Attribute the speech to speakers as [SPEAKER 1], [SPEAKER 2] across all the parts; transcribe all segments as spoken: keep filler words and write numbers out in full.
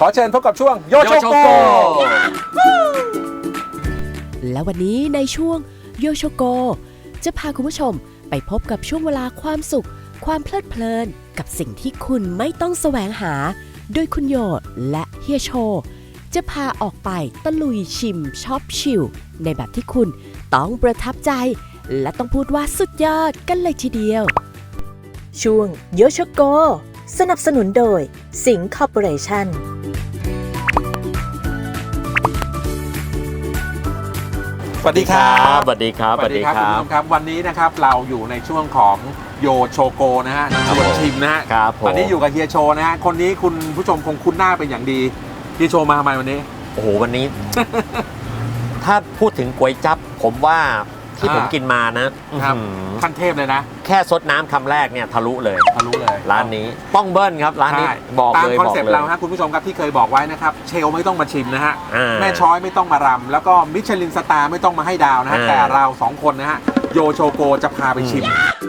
[SPEAKER 1] ขอเชิญพบกับช่วงโยโชโก
[SPEAKER 2] และวันนี้ในช่วงโยโชโกจะพาคุณผู้ชมไปพบกับช่วงเวลาความสุขความเพลิดเพลินกับสิ่งที่คุณไม่ต้องแสวงหาโดยคุณโยและเฮียโชจะพาออกไปตะลุยชิมช็อปชิลในแบบที่คุณต้องประทับใจและต้องพูดว่าสุดยอดกันเลยทีเดียวช่วงโยโชโกสนับสนุนโดยสิงห์คอร์ปอเรชั่น
[SPEAKER 1] สวัสดีครับ
[SPEAKER 3] สวัสดีครับ
[SPEAKER 1] สวัสดีครับคุณผู้ชมครับวันนี้นะครับเราอยู่ในช่วงของโยโชโกนะฮะชวนชิมนะฮะ
[SPEAKER 3] ครับผม
[SPEAKER 1] ตอนนี้อยู่กับเฮียโชนะฮะคนนี้คุณผู้ชมคงคุ้นหน้าเป็นอย่างดีเฮียโชมาทำไมวันนี้
[SPEAKER 3] โอ้โหวันนี้ ถ้าพูดถึงก๋วยจั๊บผมว่าที่ผมกินมานะครับ
[SPEAKER 1] ขั้นเทพเลยนะ
[SPEAKER 3] แค่ซดน้ำคำแรกเนี่ยทะลุเลย
[SPEAKER 1] ทะลุเลย
[SPEAKER 3] ร้านนี้ต้องเบิ้ลครับร้านนี้บอกเลย
[SPEAKER 1] ตามคอนเซ็ปต์เราฮะคุณผู้ชมครับที่เคยบอกไว้นะครับเชลไม่ต้องมาชิมนะฮะแม่ช้อยไม่ต้องมารำแล้วก็มิชลินสตาร์ไม่ต้องมาให้ดาวนะฮะแต่เราสองคนนะฮะโยโชโกจะพาไปชิม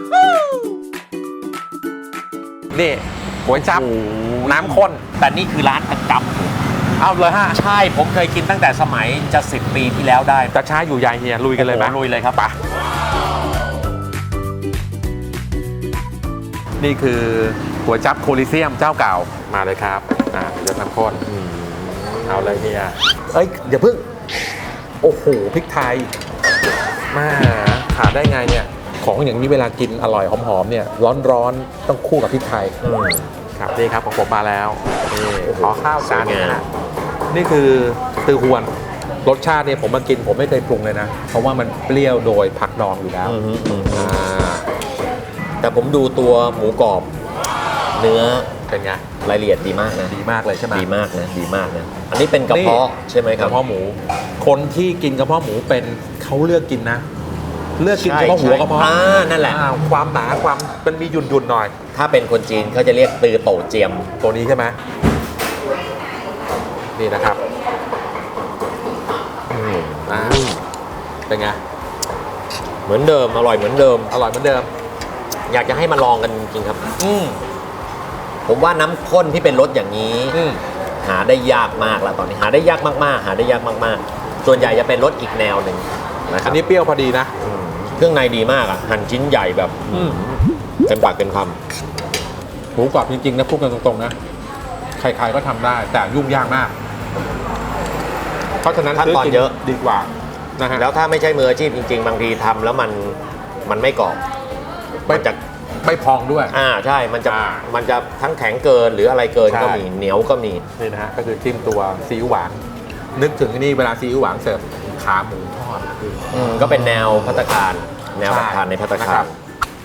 [SPEAKER 1] นี่ก๋วยจั๊บน้ำข้น
[SPEAKER 3] แต่นี่คือร้านประจำ
[SPEAKER 1] เอาเลยฮะ
[SPEAKER 3] ใช่ผมเคยกินตั้งแต่สมัยจะสิบปีที่แล้วได้
[SPEAKER 1] จะช้าอยู่ใหญ่เฮียลุยกันเลยไหม
[SPEAKER 3] ลุยเลยครับ
[SPEAKER 1] ปะนี่คือก๋วยจั๊บโคลิเซียมเจ้าเก่ามาเลยครับอ่าเดี๋ยวน้ำข้นเอาเลยเฮียเอ้ยอย่าเพิ่งโอ้โหพริกไทยมาขาดได้ไงเนี่ยของอย่างนี้เวลากินอร่อยหอมๆเนี่ยร้อนๆต้องคู่กับพริกไทยครับนี่ครับของผมมาแล้วนี่ขอข้าวจานนะนี่คือตือฮวนรสชาติเนี่ยผมมากินผมไม่เคยปรุงเลยนะเพราะว่ามันเปรี้ยวโดยผักดองอยู่แล้ว
[SPEAKER 3] แต่ผมดูตัวหมูกรอบเนื้อ
[SPEAKER 1] เป็นไง
[SPEAKER 3] รายละเอียดดีมากนะ
[SPEAKER 1] ดีมากเลยใช่ไหม
[SPEAKER 3] ดีมากนะดีมากนะอันนี้เป็นกระเพาะใช่ไหมครับ
[SPEAKER 1] กระเพาะหมูคนที่กินกระเพาะหมูเป็นเขาเลือกกินนะเลือกกินเฉพาะหัวกระเพาะ
[SPEAKER 3] อ่านั่นแหละ
[SPEAKER 1] ความหนาความมันมีหยุ่นๆหน่อย
[SPEAKER 3] ถ้าเป็นคนจีนเขาจะเรียกตือโตเจียม
[SPEAKER 1] ตัวนี้ใช่ไหมนี่นะครับอ่าเป็นไง
[SPEAKER 3] เหมือนเดิมอร่อยเหมือนเดิม
[SPEAKER 1] อร่อยเหมือนเดิม
[SPEAKER 3] อยากจะให้มาลองกันจริงๆครับ
[SPEAKER 1] อืม
[SPEAKER 3] ผมว่าน้ำข้นที่เป็นรสอย่างนี้หาได้ยากมากแล้วตอนนี้หาได้ยากมากๆหาได้ยากมากๆส่วนใหญ่จะเป็นรสอีกแนวหนึ่ง
[SPEAKER 1] นะครับอันนี้เปรี้ยวพอดีนะ
[SPEAKER 3] เครื่องในดีมากอ่ะหั่นชิ้นใหญ่แบบเต็มปากเต็มคำ
[SPEAKER 1] หมูกรอบจริงๆนะพูดกันตรงๆนะใครๆก็ทำได้แต่ยุ่งยากมากเพราะฉะนั้น
[SPEAKER 3] ขั้นตอนเยอะ
[SPEAKER 1] ดีกว่านะฮะ
[SPEAKER 3] แล้วถ้าไม่ใช่มืออาชีพจริงๆบางทีทำแล้วมันมันไม่กรอบ
[SPEAKER 1] มันจะไม่พองด้วย
[SPEAKER 3] อ่าใช่มันจะมันจะทั้งแข็งเกินหรืออะไรเกินก็มีเหนียวก็มี
[SPEAKER 1] นี่นะฮะก็คือจิ้มตัวซีอิ๊วหวานนึกถึงนี่เวลาซีอิ๊วหวานเสิร์ฟขาหมูทอด
[SPEAKER 3] ก็เป็นแนวภัตตาคารแนวภัตตาคารในภัตตาคาร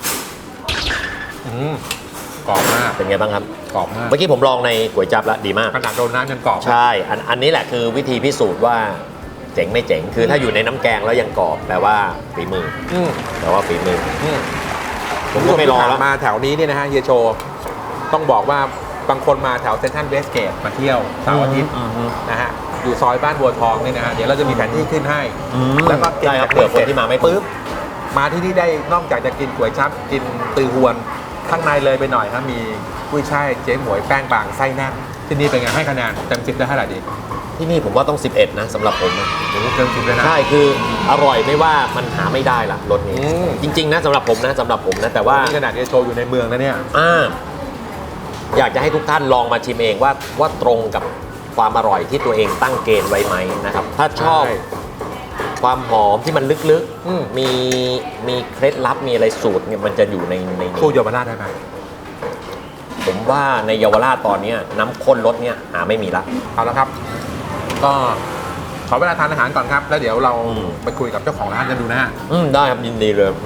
[SPEAKER 1] กรอบมาก
[SPEAKER 3] เป็นไงบ้างครับ
[SPEAKER 1] กรอบมาก
[SPEAKER 3] เมื่อกี้ผมลองในก๋วยจั๊บแล้วดีมาก
[SPEAKER 1] ขนาดโดนน้ำยังกรอบ
[SPEAKER 3] ใช่อันอันนี้แหละคือวิธีพิสูจน์ว่าเจ๋งไม่เจ๋งคือถ้าอยู่ในน้ำแกงแล้วยังกรอบแปลว่าฝีมือแปลว่าฝีมือผมก็ไม่รอแล้ว
[SPEAKER 1] มาแถวนี้เนี่ยนะฮะเฮียโชต้องบอกว่าบางคนมาแถวเซ็นทรัลเวสเกตมาเที่ยวเสาร์อาทิตย์นะฮะอยู่ซอยบ้านบัวทองนี่นะฮะเดี๋ยวเราจะมีแผนที่ขึ้นให้
[SPEAKER 3] แล้วก็กินเผื่อคนที่มาไม่
[SPEAKER 1] ปุ๊บมาที่นี่ได้นอกจากจะกินก๋วยจั๊บกินตือฮวนข้างในเลยไปหน่อยครับมีกุ้ยช่ายเจ๊หมวยแป้งบางไส้แน่นที่นี่เป็นไงให้คะแนนเต็มสิบได้เท่าไหร่ดี
[SPEAKER 3] ที่นี่ผมว่าต้องสิบเอ็ดนะสำหรับผมนะ
[SPEAKER 1] เต็มสิบเลยนะ
[SPEAKER 3] ใช่คืออร่อยไม่ว่ามันหาไม่ได้ละรสนี้จริงๆนะสำหรับผมนะสำหรับผมนะแต่ว่า
[SPEAKER 1] ขนาดนี้โชว์อยู่ในเมืองนะเนี่ย
[SPEAKER 3] อ่าอยากจะให้ทุกท่านลองมาชิมเองว่าว่าตรงกับความอร่อยที่ตัวเองตั้งเกณฑ์ไว้ไหมนะครับถ้าชอบความหอมที่มันลึกๆมีมีเคล็ดลับมีอะไรสูตรเนี่ยมันจะอยู่ในใน
[SPEAKER 1] คู่เยาวราชได้ไหม
[SPEAKER 3] ผมว่าในเยาวราชตอนนี้น้ำข้นรสเนี่ยหาไม่มีละ
[SPEAKER 1] เอาละครับก็ขอเวลาทานอาหารก่อนครับแล้วเดี๋ยวเราไปคุยกับเจ้าของร้านกันดูนะฮะ
[SPEAKER 3] อืมได้ครับยินดีเลย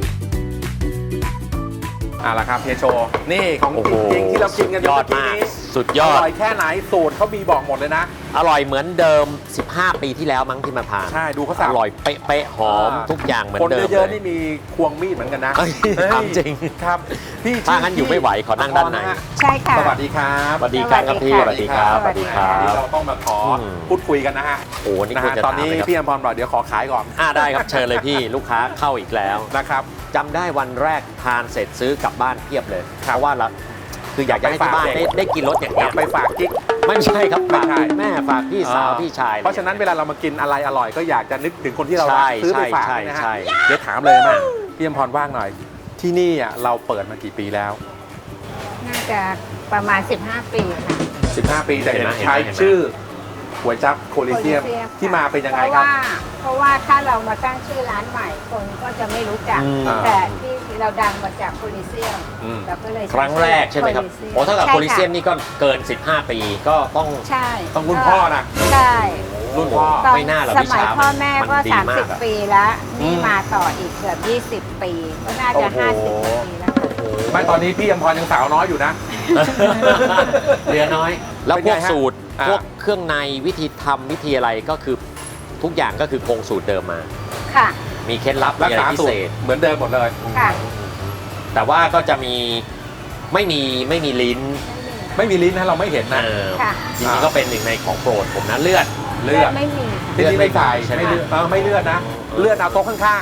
[SPEAKER 1] เอาละครับเฮียโชนี่ของจริงที่เรากินกัน
[SPEAKER 3] ยอดมากสุดย
[SPEAKER 1] อ
[SPEAKER 3] อด
[SPEAKER 1] ร่อยแค่ไหนสูตรเขามีบอกหมดเลยนะ
[SPEAKER 3] อร่อยเหมือนเดิม สิบห้า ปีที่แล้วมั้งที่มาทาน
[SPEAKER 1] ใช่ดูเขาสับ
[SPEAKER 3] อร่อยเป๊ะๆหอม
[SPEAKER 1] อ่า
[SPEAKER 3] ทุกอย่างเหมือน
[SPEAKER 1] คน
[SPEAKER 3] เดิม
[SPEAKER 1] เยอะ
[SPEAKER 3] เล
[SPEAKER 1] ๆ
[SPEAKER 3] ย
[SPEAKER 1] นี่มีควงมีดเหมือนกันนะ
[SPEAKER 3] เอ้ย
[SPEAKER 1] เฮ้ย
[SPEAKER 3] ถามจริง
[SPEAKER 1] ครับพี่
[SPEAKER 3] ถ้างั้นอยู่ไม่ไหวขอนั่งด้านใน
[SPEAKER 1] ะฮะ
[SPEAKER 4] ใช่ค่ะ
[SPEAKER 1] สวัสดีครับ
[SPEAKER 3] สวัสดีครับครับพี่
[SPEAKER 4] ส
[SPEAKER 3] ส
[SPEAKER 4] วั
[SPEAKER 3] วั
[SPEAKER 4] ส
[SPEAKER 3] ส
[SPEAKER 4] ดี
[SPEAKER 3] ดี
[SPEAKER 4] ค
[SPEAKER 3] ค
[SPEAKER 4] รั
[SPEAKER 3] รับ บสวัสดีครั
[SPEAKER 1] วันนี้
[SPEAKER 3] บ
[SPEAKER 1] เราต้องมาขออ
[SPEAKER 3] ม
[SPEAKER 1] พูดคุยกันนะฮะ
[SPEAKER 3] โอ้นี่
[SPEAKER 1] นะ
[SPEAKER 3] ควร
[SPEAKER 1] ฮะ
[SPEAKER 3] จะ
[SPEAKER 1] ตอนนี้
[SPEAKER 3] ถามเลยครับ
[SPEAKER 1] พี่อมพรบอกเดี๋ยวขอขายก่อน
[SPEAKER 3] อ่าได้ครับเชิญเลยพี่ลูกค้าเข้าอีกแล้ว
[SPEAKER 1] นะครับ
[SPEAKER 3] จำได้วันแรกทานเสร็จซื้อกลับบ้านเพียบเลย
[SPEAKER 1] ครับ
[SPEAKER 3] เพราะว่าเราคืออยากจะให้ที่บ้าน
[SPEAKER 1] ไปฝากเด็
[SPEAKER 3] ได้
[SPEAKER 1] ก
[SPEAKER 3] ได้กินรสอย่าง
[SPEAKER 1] อ
[SPEAKER 3] เงี้
[SPEAKER 1] ยาย กไปฝากกิ๊ก
[SPEAKER 3] ไม่ใช่ครับ
[SPEAKER 1] ไม่
[SPEAKER 3] ฝาก
[SPEAKER 1] ใช่
[SPEAKER 3] แม่ฝากพี่สาวพี่ชาย
[SPEAKER 1] เพราะฉะนั้นเวลาเรามากินอะไรอร่อยก็อยากจะนึกถึงคนที่เรารัก
[SPEAKER 3] ใช่
[SPEAKER 1] ซื้อไปฝาก
[SPEAKER 3] ใช่
[SPEAKER 1] นะฮะ
[SPEAKER 3] ใช่
[SPEAKER 1] เดี๋ยวถามเลยมาพี่อมพรว่างหน่อย ที่นี่อ่ะเราเปิดมากี่ปีแล้ว
[SPEAKER 4] น่าจะประมาณ สิบห้า ปีค่ะ
[SPEAKER 1] สิบห้า ปีแต่เห็น
[SPEAKER 3] เห็นไหม
[SPEAKER 1] ใช้
[SPEAKER 3] เห็นไหม
[SPEAKER 1] ชื่อก๋วยจั๊บโคลิเซียม
[SPEAKER 4] โคลิเซียม
[SPEAKER 1] ที่มาเป็นยังไง
[SPEAKER 4] เพราะ
[SPEAKER 1] ครับ
[SPEAKER 4] ว่าเพราะว่าถ้าเรามาตั้งชื่อร้านใหม่คนก็จะไม่รู้จัก
[SPEAKER 3] อืม
[SPEAKER 4] แต่ที่เราดังมาจากโคลิเซียม
[SPEAKER 1] อืม
[SPEAKER 4] เราก็เลย
[SPEAKER 3] ครั้งแรกใช่ไหมครับ
[SPEAKER 4] โคลิเซียม
[SPEAKER 3] โอ้ถ้ากับ
[SPEAKER 4] ใช่
[SPEAKER 3] โคลิเซียม
[SPEAKER 4] ค่ะ
[SPEAKER 3] นี่ก็เกิน สิบห้า ปีก็ต้อง
[SPEAKER 4] ใช่
[SPEAKER 1] ต้องรุ่นพ่อนะ
[SPEAKER 4] ใช่
[SPEAKER 1] รุ่นพ่อ
[SPEAKER 4] ตอน
[SPEAKER 3] ไม่น่าหรอก
[SPEAKER 4] ส
[SPEAKER 3] พี่
[SPEAKER 4] มัย
[SPEAKER 3] ชา
[SPEAKER 4] พ่อแม่ก็
[SPEAKER 3] นดีมากอะ
[SPEAKER 4] 30 ปีแล้ว
[SPEAKER 1] อื
[SPEAKER 4] นี่
[SPEAKER 1] ม
[SPEAKER 4] มาต่ออีกเกือบยี่สิบ ปี ก็น่าจะ
[SPEAKER 1] โอ้โห
[SPEAKER 4] ห้าสิบกว่าปีแล้วค่ะ
[SPEAKER 1] ไม่ตอนนี้พี่อมพรยังสาวน้อยอยู่นะ
[SPEAKER 3] เหลือน้อย แล้ว
[SPEAKER 1] เป็น
[SPEAKER 3] พ
[SPEAKER 1] ไง
[SPEAKER 3] วก
[SPEAKER 1] ฮะ
[SPEAKER 3] สูตร
[SPEAKER 1] อ่า
[SPEAKER 3] พวกเครื่องในวิธีทำวิธีอะไรก็คือทุกอย่างก็คือคงสูตรเดิมมา
[SPEAKER 4] ค่ะ
[SPEAKER 3] มีเคล็ดลับ
[SPEAKER 1] รั
[SPEAKER 3] มี
[SPEAKER 1] ก
[SPEAKER 3] อะไร
[SPEAKER 1] ษา
[SPEAKER 3] พิ
[SPEAKER 1] สู
[SPEAKER 3] เศ
[SPEAKER 1] ตร
[SPEAKER 3] ษ
[SPEAKER 1] เหมือนเดิมหมดเลย
[SPEAKER 4] ค่ะ
[SPEAKER 3] แต่ว่าก็จะมีไม่มีไม่มีลิ้น
[SPEAKER 1] ไม่มีลิ้นนะเราไม่เห็นนะ
[SPEAKER 3] เออ
[SPEAKER 4] ค่ะ
[SPEAKER 3] จริงๆก็เป็นหนึ่งในของโปรดผมนะเลือด
[SPEAKER 1] เลือด
[SPEAKER 4] ไม่มีค่ะ
[SPEAKER 1] ที่นี่ไม่ใส่
[SPEAKER 3] ใช่ไหม
[SPEAKER 1] ไม่เลือดเออไม่เลือดนะ เลือดเอาโต๊ะข้าง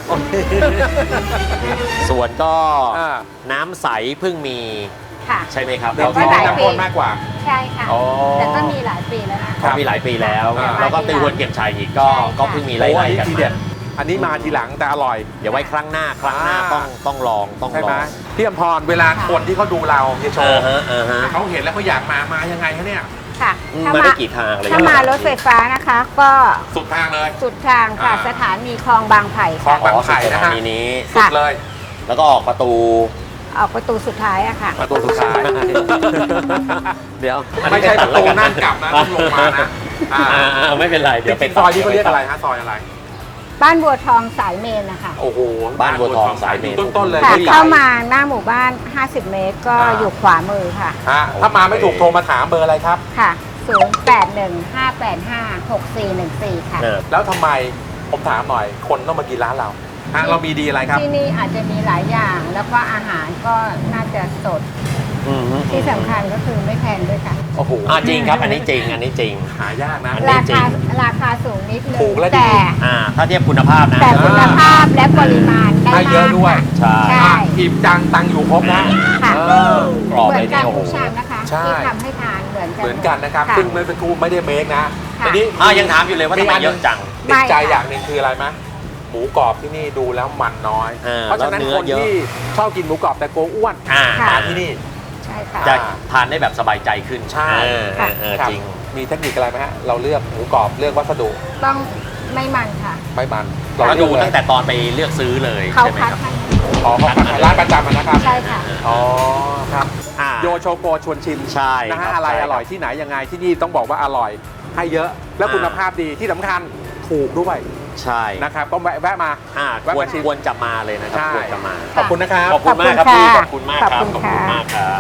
[SPEAKER 3] ส่วนก็
[SPEAKER 1] อ่า
[SPEAKER 3] น้ำใสเพิ่งมี
[SPEAKER 4] ค่ะ
[SPEAKER 3] ใช่ไหมครับ
[SPEAKER 1] ๆเดี๋ยว
[SPEAKER 4] ก็
[SPEAKER 1] ที่
[SPEAKER 4] ห
[SPEAKER 1] นี่
[SPEAKER 4] ลาย
[SPEAKER 1] น้ำข้นมากกว่า
[SPEAKER 4] ใช่ค่ะ
[SPEAKER 1] อ๋อ
[SPEAKER 4] แต่ก็มีหลายปีแล้วนะ
[SPEAKER 1] ครั
[SPEAKER 3] ก็
[SPEAKER 1] บ
[SPEAKER 3] มีหลายปีแล้ว
[SPEAKER 1] อ่า
[SPEAKER 3] แล้วก็ตือวนเก็บชัยอีกก็
[SPEAKER 4] ใช่ค่ะ
[SPEAKER 3] ก็เพิ่งมีไล่
[SPEAKER 1] โอ้อัน
[SPEAKER 3] ๆ
[SPEAKER 1] นี้
[SPEAKER 3] กัน
[SPEAKER 1] ที
[SPEAKER 3] มา
[SPEAKER 1] เด็ดอันนี้มาทีหลังแต่อร่อย
[SPEAKER 3] เดี๋ยวไว้ครั้งหน้าครั้งหน้า
[SPEAKER 1] อ่า
[SPEAKER 3] ต้องต้องลองต้อง
[SPEAKER 1] ใช่
[SPEAKER 3] ล
[SPEAKER 1] ไหม
[SPEAKER 3] อง
[SPEAKER 1] พี่อมพรเวลาคนที่เขาดูเราเฮียโช
[SPEAKER 3] เออ
[SPEAKER 1] ว์
[SPEAKER 3] ฮะเออฮะ
[SPEAKER 1] เขาเห็นแล้วเขาอยากมามายังไงคะเนี่ย
[SPEAKER 4] ค่ะ
[SPEAKER 3] อืม
[SPEAKER 4] ถ้า
[SPEAKER 3] มา
[SPEAKER 4] มา
[SPEAKER 3] ได้กี่ทางอะไร
[SPEAKER 4] ถ้ามารถไฟฟ้านะคะ ก็
[SPEAKER 1] สุดทางเลย
[SPEAKER 4] สุดทางค่ะ
[SPEAKER 1] อ่า
[SPEAKER 4] สถานีคลองบางไผ่
[SPEAKER 1] คลอง
[SPEAKER 4] ค่ะ
[SPEAKER 1] บางไผ่นะฮะ
[SPEAKER 3] อ๋อสุดสถานีนี้
[SPEAKER 1] สุดเลย
[SPEAKER 3] แล้วก็ออกประตู
[SPEAKER 4] ออกประตูสุดท้ายอะค่ะ
[SPEAKER 1] ประตูสุดท้าย
[SPEAKER 3] เดี๋ยว
[SPEAKER 1] ไม่ใช่ประตูนั่งกลับนะต้องลงมานะอ่า
[SPEAKER 3] อ่าไม่เป็นไร
[SPEAKER 1] จ
[SPEAKER 3] เดี๋ยว
[SPEAKER 1] ริงๆซอยนี้เขาเรียกอะไรฮะซอยอะไร
[SPEAKER 4] บ้านบัวทองสายเมนนะคะ
[SPEAKER 1] โอ้โห
[SPEAKER 3] บ้านบัวทองสายเมน
[SPEAKER 1] ต้นๆเลย
[SPEAKER 4] ค่ะ
[SPEAKER 1] ผู้ใหญ่
[SPEAKER 4] เข้ามาหน้าหมู่บ้าน ห้าสิบ เมตร ก็
[SPEAKER 1] อ่า
[SPEAKER 4] อยู่ขวามือค่ะ
[SPEAKER 1] ฮะถ้ามาไม่ถูกโทรมาถามเบอร์อะไรครับ
[SPEAKER 4] ค่ะ ศูนย์ แปด หนึ่ง ห้า แปด ห้า หก สี่ หนึ่ง สี่ ค่ะ
[SPEAKER 3] เออ
[SPEAKER 1] แล้วทำไมผมถามหน่อยคนต้องมากินร้านเราฮะเรามีดีอะไรครับ
[SPEAKER 4] ที่นี่อาจจะมีหลายอย่าง แล้วก็อาหารก็น่าจะสด
[SPEAKER 3] อืม
[SPEAKER 4] ที่สำคัญก็คือไม่แพงด้วยค่ะ
[SPEAKER 1] โอ้โห
[SPEAKER 3] อ่าจริงครับ อันนี้จริง อันนี้จริง
[SPEAKER 1] หายากนะ
[SPEAKER 3] อันนี้
[SPEAKER 4] รา
[SPEAKER 3] จริ
[SPEAKER 4] คาง ราคาสูงนิดนึง
[SPEAKER 1] ถูกและดี
[SPEAKER 4] แต่
[SPEAKER 3] อ่า ถ้าเทียบคุณภาพนะ
[SPEAKER 4] แต่คุณภาพและปริมาณได้
[SPEAKER 1] ให้เยอะ
[SPEAKER 4] มาก
[SPEAKER 1] ด้วย
[SPEAKER 4] ค่ะ
[SPEAKER 3] ใช่
[SPEAKER 4] ใช่
[SPEAKER 1] อ่ะอิ่มจังตังอยู่ครบนะ
[SPEAKER 4] ค่ะ
[SPEAKER 1] เออก
[SPEAKER 3] รอบ
[SPEAKER 4] เหมื
[SPEAKER 3] เล
[SPEAKER 4] อย น
[SPEAKER 3] เนี่
[SPEAKER 4] กั
[SPEAKER 3] ย
[SPEAKER 4] น
[SPEAKER 3] โอ้โห
[SPEAKER 4] ทุกชามนะคะ
[SPEAKER 1] ใช่
[SPEAKER 4] ที่ทำให้ทานเหมือนกัน
[SPEAKER 1] เหมือนกันนะครับ
[SPEAKER 4] ค่ะ
[SPEAKER 1] ซึ่งเมื่อสักครู่ไม่ได้เมคนะ
[SPEAKER 4] ค่ะ
[SPEAKER 1] อันนี้
[SPEAKER 3] อ่ายังถามอยู่เลยว่าทำไมเยอะจัง
[SPEAKER 1] ติดใจ
[SPEAKER 4] ไม่ค่ะ
[SPEAKER 1] อย่างหนึ่งคืออะไรไหมหมูกรอบที่นี่ดูแล้วมันน้อย
[SPEAKER 3] อ่า
[SPEAKER 1] เพราะฉะนั้น
[SPEAKER 3] แล้วเนื้
[SPEAKER 1] ค
[SPEAKER 3] อน เยอะ
[SPEAKER 1] ที่ชอบกินหมูกรอบแต่โกลัวอ้วน
[SPEAKER 3] อ่า
[SPEAKER 4] ค่ะ
[SPEAKER 1] มาที่นี่
[SPEAKER 4] ใช่ค่ะ
[SPEAKER 3] จะทานได้แบบสบายใจขึ้น
[SPEAKER 1] ใช่
[SPEAKER 3] เออเออเออ
[SPEAKER 1] ครับ
[SPEAKER 3] จริง
[SPEAKER 1] มีเทคนิคอะไรไหมฮะเราเลือกหมูกรอบเลือกวัสดุ
[SPEAKER 4] ต้องไม่มันค่ะ
[SPEAKER 1] ไม่มัน
[SPEAKER 3] เรา
[SPEAKER 1] เลื
[SPEAKER 3] ดู
[SPEAKER 1] อกเลย
[SPEAKER 3] ตั้งแต่ตอนไปเลือกซื้อเลย
[SPEAKER 4] เขา
[SPEAKER 3] ใช่ไหม
[SPEAKER 4] คัด
[SPEAKER 3] ครับ
[SPEAKER 4] ให้
[SPEAKER 1] อ๋อเขาคัดร้านประจำอะนะครับ
[SPEAKER 4] ใช่ค่ะ
[SPEAKER 1] อ๋อครับ
[SPEAKER 3] อ่า
[SPEAKER 1] โยโชโกชวนชิม
[SPEAKER 3] ใช่
[SPEAKER 1] นะ
[SPEAKER 3] ครั
[SPEAKER 1] ฮะ
[SPEAKER 3] บ
[SPEAKER 1] อะไร
[SPEAKER 3] ใช่ครับ
[SPEAKER 1] อร่อยที่ไหนยังไงที่นี่ต้องบอกว่าอร่อยให้เยอะและคุณภาพดีที่สำคัญถูกด้วย
[SPEAKER 3] ใช่
[SPEAKER 1] นะครับก็แวะแวะมา
[SPEAKER 3] อ่า
[SPEAKER 1] แวะ
[SPEAKER 3] ควร
[SPEAKER 1] มาชิม
[SPEAKER 3] ควรจะมาเลยนะครับ
[SPEAKER 1] ใช่
[SPEAKER 3] ควรจะมา
[SPEAKER 1] ขอบคุณนะครับ
[SPEAKER 3] ขอบคุณมากครับพี่ขอบคุณมากครับ
[SPEAKER 4] ขอบคุณค่ะ
[SPEAKER 3] มากครับ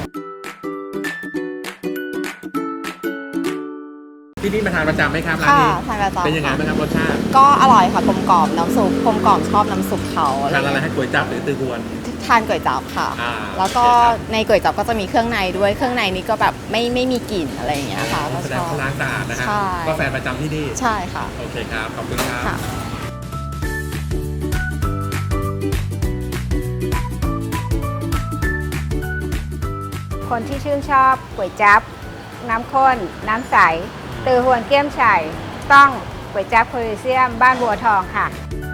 [SPEAKER 1] ที่นี่มาทานประจำไหมครับร้าน
[SPEAKER 5] ค่ะ
[SPEAKER 1] นี้
[SPEAKER 5] ทานประจำ
[SPEAKER 1] เป็นยังไง
[SPEAKER 5] ค่ะ
[SPEAKER 1] บ้างครับรสชาติ
[SPEAKER 5] ก็อร่อยค่ะกลมกล่อมน้ำซุปกลมกล่อมชอบน้ำซุปเขาอะไร
[SPEAKER 1] ทานอะไร
[SPEAKER 5] เงี้ย
[SPEAKER 1] ให้ก๋วยจั๊บหรือตือหวน
[SPEAKER 5] ทานก๋วยจั๊บค่ะ
[SPEAKER 1] อ่า
[SPEAKER 5] แล้วก็
[SPEAKER 1] โอเคครับ
[SPEAKER 5] ในก๋วยจั๊บก็จะมีเครื่องในด้วยเครื่องในนี้ก็แบบไม่ไม่มีกลิ่นอะไรอย่างเงี้ยค่ะก็
[SPEAKER 1] แส
[SPEAKER 5] ช
[SPEAKER 1] ดง
[SPEAKER 5] อบ
[SPEAKER 1] เขาล้างสะอาดนะฮะ
[SPEAKER 5] ใช่
[SPEAKER 1] ก็แฟนประจำที่นี่
[SPEAKER 5] ใช่ค่ะ
[SPEAKER 1] โอเคครับ ขอบคุณครับ
[SPEAKER 5] ค่ะ
[SPEAKER 4] คนที่ชื่นชอบก๋วยจั๊บน้ำข้น น้ำใสตือหวนเกี้ยมไฉ่ต้องก๋วยจั๊บโคลิเซียมบ้านบัวทองค่ะ